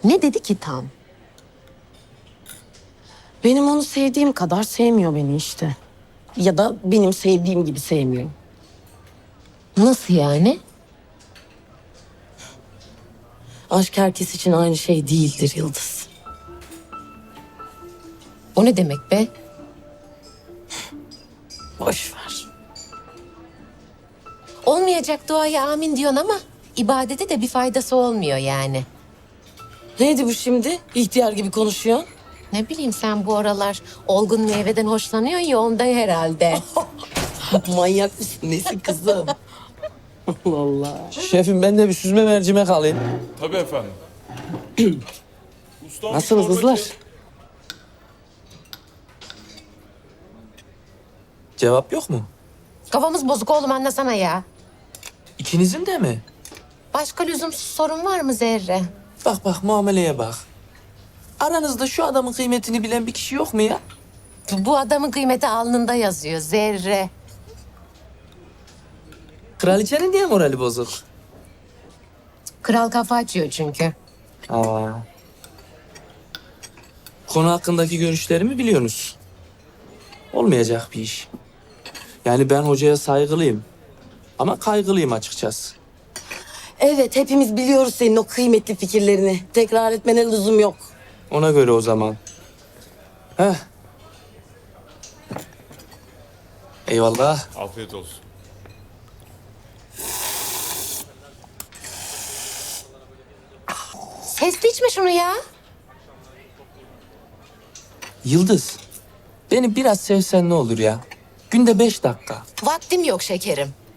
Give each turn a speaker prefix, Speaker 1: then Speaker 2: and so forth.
Speaker 1: Ne dedi ki tam?
Speaker 2: Benim onu sevdiğim kadar sevmiyor beni işte. Ya da benim sevdiğim gibi sevmiyor.
Speaker 1: Nasıl yani?
Speaker 2: Aşk herkes için aynı şey değildir Yıldız.
Speaker 1: O ne demek be?
Speaker 2: Boş ver.
Speaker 1: Olmayacak duaya amin diyorsun ama ibadete de bir faydası olmuyor yani.
Speaker 2: Neydi bu şimdi? İhtiyar gibi konuşuyor.
Speaker 1: Ne bileyim sen bu aralar olgun meyveden hoşlanıyorsun ya ondan herhalde.
Speaker 2: Manyak mısın? Nesin kızım? Allah Allah.
Speaker 3: Şefim ben de bir süzme mercimek alayım.
Speaker 4: Tabii efendim. Ustam,
Speaker 3: Nasılsınız
Speaker 4: çorba
Speaker 3: kızlar?
Speaker 4: çek.
Speaker 3: Cevap yok mu?
Speaker 1: Kafamız bozuk oğlum anlasana ya.
Speaker 3: İkinizin de mi?
Speaker 1: Başka lüzumsuz sorun var mı Zerre?
Speaker 3: Bak bak muameleye bak. Aranızda şu adamın kıymetini bilen bir kişi yok mu ya?
Speaker 1: Bu adamın kıymeti alnında yazıyor Zerre.
Speaker 3: Kraliçenin diye morali bozuk.
Speaker 1: Kral kafa açıyor çünkü.
Speaker 3: Aa. Konu hakkındaki görüşlerimi biliyorsunuz. Olmayacak bir iş. Yani ben hocaya saygılıyım. Ama kaygılıyım açıkçası.
Speaker 2: Evet, hepimiz biliyoruz senin o kıymetli fikirlerini. Tekrar etmene lüzum yok.
Speaker 3: Ona göre o zaman. Heh. Eyvallah.
Speaker 4: Afiyet olsun.
Speaker 1: Sesli içme şunu ya.
Speaker 3: Yıldız, beni biraz sevsen ne olur ya? Günde 5 dakika.
Speaker 1: Vaktim yok şekerim.